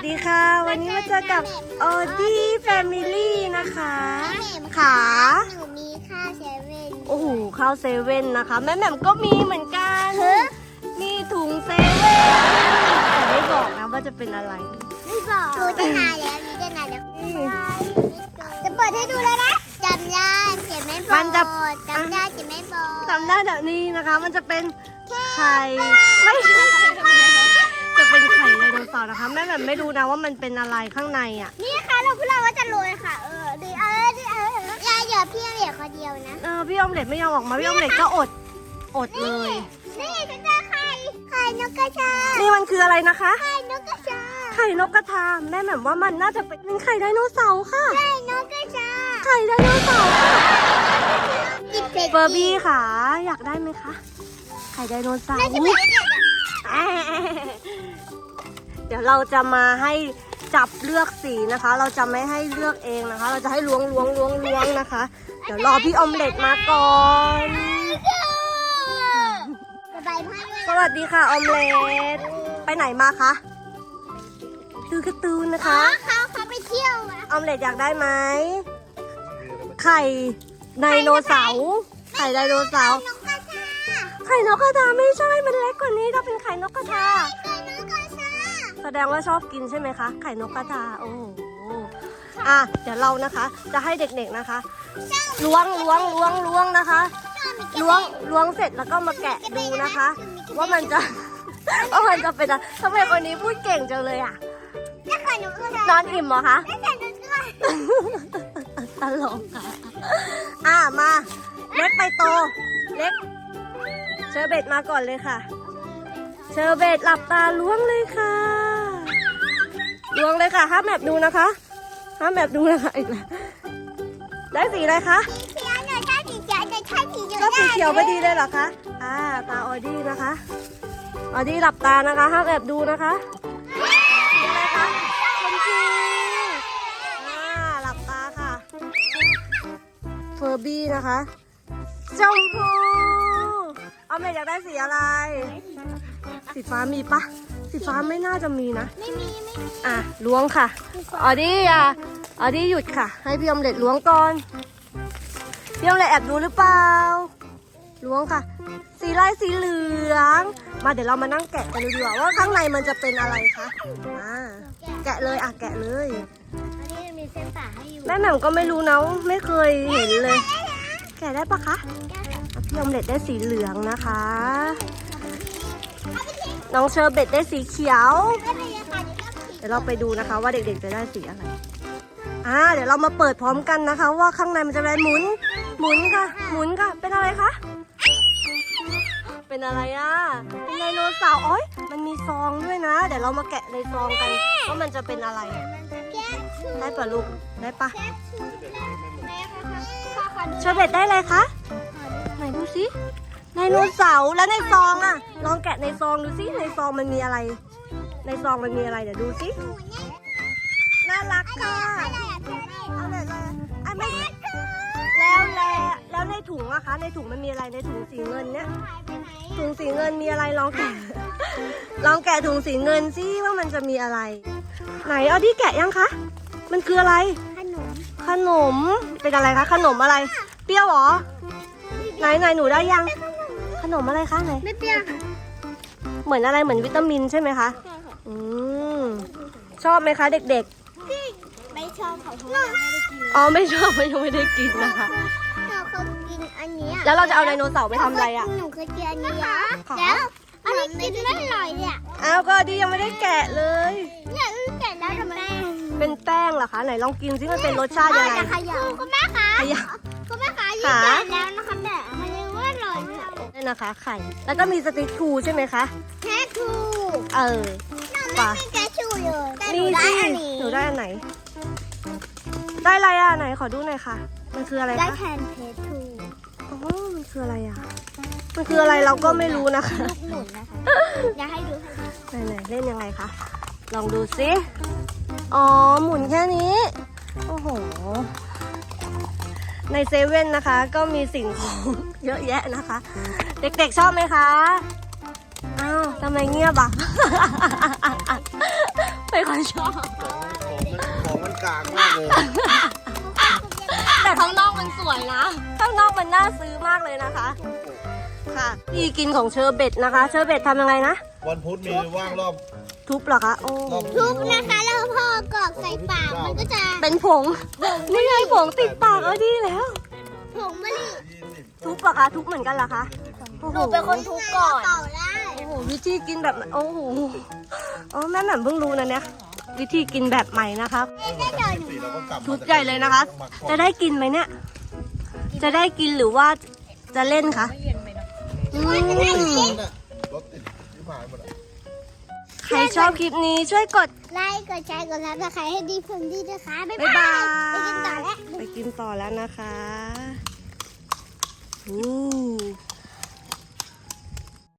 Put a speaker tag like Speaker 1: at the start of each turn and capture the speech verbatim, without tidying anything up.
Speaker 1: ดีค่ะวันนี้มาเจอกับออดี้แฟมิลี่นะคะขา
Speaker 2: หนูมีข้าวเซเว่น
Speaker 1: โอ้โหข้าวเซเว่นนะคะแม่แหม่มก็มีเหมือนกันมีถุงเซเว่นแต่ไม่บอกนะว่าจะเป็นอะไร
Speaker 2: ไม่บอกดูจะนานแล้วนี่จะนานแล้วจะเปิดให้ดูแล้วนะจำได้เขียนไม่บอกจำได้เขียนไม่บอก
Speaker 1: จำได้แบบนี้นะคะมันจะเป็นไข่ไม่ใช่จะเป็นไข่ไดโนเสาร์นะคะแม่แหม่มไม่รู้นะว่ามันเป็นอะไรข้างในอ่ะ
Speaker 2: นี่ค่ะเราพูดเราว่าจะโรยค่ะเออดีเออดีเออยายเหลือพี่เหลือคนเดียวนะ
Speaker 1: เออพี่ออมเล็ตไม่ยอมออกมาพี่ออมเล็ตก็อดอดเลย
Speaker 2: นี่ฉันเจอไข่ไข่นกกระชา
Speaker 1: นี่มันคืออะไรนะคะ
Speaker 2: ไข่นกกระชา
Speaker 1: ไข่นกกระทาแม่แหม่มว่ามันน่าจะเป็นไข่ไดโนเสาร์ค่ะ
Speaker 2: ไข่นกกระชา
Speaker 1: ไข่ไดโนเสาร์ค่ะ
Speaker 2: กินเผ็ด
Speaker 1: เบอร์บี้ค่ะอยากได้ไหมคะไข่ไดโนเสาร์
Speaker 2: น่าจะเป็น
Speaker 1: เดี๋ยวเราจะมาให้จับเลือกสีนะคะ เราจะไม่ให้เลือกเองนะคะ เราจะให้ล้วงล้วงล้วงล้วงนะคะ เดี๋ยวรอพี่ออมเล็ตมาก่อน
Speaker 2: สบายมากเลย
Speaker 1: สวัสดีค่ะออมเล็ตไปไหนมาคะดูการ์ตูนนะคะ
Speaker 2: เขาเขาไปเที่ยวอะ
Speaker 1: ออมเล็ตอยากได้ไหมไข่ไดโนเสาร์ไข่ไดโนเสาร์
Speaker 2: นกกระชา
Speaker 1: ไข่นกกระทาไม่ใช่มันเล็กกว่านี้ถ้าเป็นไข่นกกระทา
Speaker 2: ไข่นกกระชา
Speaker 1: แสดงว่าชอบกินใช่ไหมคะไข่นกกระทาโอ้โหอ่ะเดี๋ยวเรานะคะ จะให้เด็กๆนะคะล้วงล้วงล้วงล้วงนะคะล้วงล้วงเสร็จแล้วก็มาแกะดูนะคะ ว่ามันจะ ว่ามันจะเป็นอะไรทำไมคนนี้พูดเก่งจังเลยอ่ะ
Speaker 2: นี่ไข่นกกระชาน
Speaker 1: อนอิ่มเหรอคะ
Speaker 2: นี่ไข่นกกระชา
Speaker 1: ตลกค่ะอ่ะมาเล็กไปโตเล็กเชอร์เบตมาก่อนเลยค่ะเชอร์เบตหลับตาล้วงเลยค่ะล้วงเลยค่ะห้ามแอบดูนะคะห้ามแอบดูนะคะอีกแล้วได้สีอะไรคะ
Speaker 2: สีเขียวหน่อยถ้าสีเขียวหน่อยถ้าสีเหลือง
Speaker 1: ก็สีเขียวพอดีเลยเหรอคะอ่าตาออดี้นะคะออดี้หลับตานะคะห้ามแอบดูนะคะสีอะไรคะชมพูอ่าหลับตาค่ะเฟอร์บี้นะคะชมพูเอาเมย์อยากได้สีอะไร สีฟ้ามีปะสีฟ้าไม่น่าจะมีนะ
Speaker 2: ไม่มีไม่มี
Speaker 1: อ่ะล้วงค่ะออดี้อ่ะออดี้หยุดค่ะ ให้พี่อมเล็ตล้วงก่อนพี่อมเล็ตแอบดูหรือเปล่าล้วงค่ะ สีลายสีเหลืองมาเดี๋ยวเรามานั่งแกะกันดูดีกว่าว่าข้างในมันจะเป็นอะไรคะอ่าแกะเลยอ่ะแกะเลย
Speaker 2: อันนี้มีเส้นป่าให้อยู่
Speaker 1: แม่แหม่มก็ไม่รู้นะไม่เคยเห็นเลย แกะได้ปะคะพี่อมเล็ตได้สีเหลืองนะคะ น้องเชอร์เบตได้สีเขียว
Speaker 2: ไม่เป็นไรค่ะเดี๋ยวเรา
Speaker 1: เดี๋ยวเราไปดูนะคะว่าเด็กๆจะได้สีอะไร อ่า เดี๋ยวเรามาเปิดพร้อมกันนะคะ ว่าข้างในมันจะเป็นหมุน หมุนค่ะ หมุนค่ะ เป็นอะไรคะ เป็นอะไรอ่ะ เป็นไดโนเสาร์โอ้ยมันมีซองด้วยนะ เดี๋ยวเรามาแกะในซองกันว่ามันจะเป็นอะไร
Speaker 2: แก้ชู
Speaker 1: ได้ปะลูก ได้ปะ
Speaker 2: แก้ชูแม่ค่ะพ่อขอดู
Speaker 1: เชอร์เบตได้อะไรคะ ไหนดูสิไดโนเสาร์แล้วในซองอ่ะ ลองแกะในซองดูสิในซองมันมีอะไร ในซองมันมีอะไรเดี๋ยวดูสิ
Speaker 2: หนูเนี่ย
Speaker 1: น่ารักค่ะ
Speaker 2: อะไรอ่ะเพื่อนนี่
Speaker 1: เอาเลยเลยอ่ะไม่แล้วแล้วแล้วในถุงอะคะ ในถุงมันมีอะไรในถุงสีเงินเนี้ย
Speaker 2: หายไปไหน
Speaker 1: ถุงสีเงินมีอะไรลองแกะ ลองแกะถุงสีเงินสิว่ามันจะมีอะไร ไหนเอาที่แกะยังคะ มันคืออะไร
Speaker 2: ขนม
Speaker 1: ขนม เป็นอะไรคะ ขนมอะไร เปรี้ยวเหรอ ไหนไหนหนูได้ยัง ขนมอะไรคะไหน
Speaker 2: ไม่เปรี้ยวค่ะ
Speaker 1: เหมือนอะไรเหมือนวิตามินใช่ไหมคะ
Speaker 2: ใช่ค่ะ
Speaker 1: อืมชอบไหมคะเด็ก
Speaker 2: ไม่ชอบเขาเพราะว่าไม่ได้กิน
Speaker 1: ๆ อ๋อไม่ชอบยังไม่ได้กินนะคะ
Speaker 2: เราเคยกินอันนี้
Speaker 1: แล้วเราจะเอาไดโนเสาร์ไปทำอะไรอะ
Speaker 2: หนูเคยกินอันนี้
Speaker 1: ค่ะ
Speaker 2: แล้วอันนี้กินไม่อร่อยเนี่ย
Speaker 1: อ้าวก็ดียังไม่ได้แกะเลย
Speaker 2: เนี่ยอื้อแก่แล้วทำไม
Speaker 1: เป็นแป้งเหรอคะ ไหนลองกินซิมันเป็นรสชาติยังไง
Speaker 2: จะขยับคุณแม่คะ
Speaker 1: ขยับ
Speaker 2: คุณแม่คะยิ่ง
Speaker 1: ขา
Speaker 2: แก่แล้วนะคะแต่มันยังไม่อร่อยเนี่ย
Speaker 1: นี่นะคะ ไข่ แล้วก็มีสติ๊กทูใช่ไหมคะ
Speaker 2: แค่ทู
Speaker 1: เออ
Speaker 2: หนูไม่มีแค่ชูเลยแต่ห
Speaker 1: มี
Speaker 2: นูได้
Speaker 1: สิ
Speaker 2: อันนี้
Speaker 1: หนูได้อันไหน ได้อะไรอ่ะไหนขอดูหน่อยค่ะ มันคืออะไร
Speaker 2: ได้
Speaker 1: คะ
Speaker 2: แทนเพชรทู
Speaker 1: อ๋อมันคืออะไรอ่ะ มันคืออะไรเราก็ไม่รู้นะคะ
Speaker 2: ลูกหมุนนะคะอยากให้ดูให้ดู
Speaker 1: ไหนๆเล่นยังไงคะ ลองดูสิอ๋อ หมุนแค่นี้ โอ้โห ในเซเว่นนะคะ ก็มีสิ่งของ เยอะแยะนะคะ เด็กๆชอบไหมคะ อ้าวทำไมเงียบอ่ะ ไปเป็นคนชอบ
Speaker 3: ของมันของมันกลางมากเลย
Speaker 1: แต่ข้างนอกมันสวยนะ ข้างนอกมันน่าซื้อมากเลยนะคะ ค่ะที่กินของเชอร์เบตนะคะ เชอร์เบตทำยังไงนะ
Speaker 3: วันพุธมีว่างรอบ
Speaker 1: ทุบเหรอคะ โอ้
Speaker 3: รอบ
Speaker 2: ทุกนะคะแล้วพอกรอกใส่ปากมันก็จะ
Speaker 1: เป็นผง นี่ไงผงติดปากเอาดีแล้ว
Speaker 2: ผงมะลิ
Speaker 3: ยี่สิบ
Speaker 1: ทุบเหรอคะ ทุบเหมือนกันเหรอคะโอ้โห
Speaker 2: ทุบก่อนต่อได้
Speaker 1: โอ้โห วิธีกินแบบโอ้โหอ๋อแม่แหม่มเพิ่งรู้นะเนี่ย วิธีกินแบบใหม่นะคะ
Speaker 3: สี่เราก็กลับมา
Speaker 1: ทุบใหญ่เลยนะคะ จะได้กินไหมเนี่ย จะได้กินหรือว่าจะเล่นคะอืม
Speaker 3: รถติดที่ผ่านหมดอะ
Speaker 1: ใครชอบคลิปนี้ช่วยกด
Speaker 2: ไลค์กดแชร์กดซับสไครต์ให้ดีเพิ่มดีนะคะ บ๊าย
Speaker 1: บ๊าย
Speaker 2: บา
Speaker 1: บาย
Speaker 2: ไปกินต่อแล้ว
Speaker 1: ไปกินต่อแล้วนะคะอู้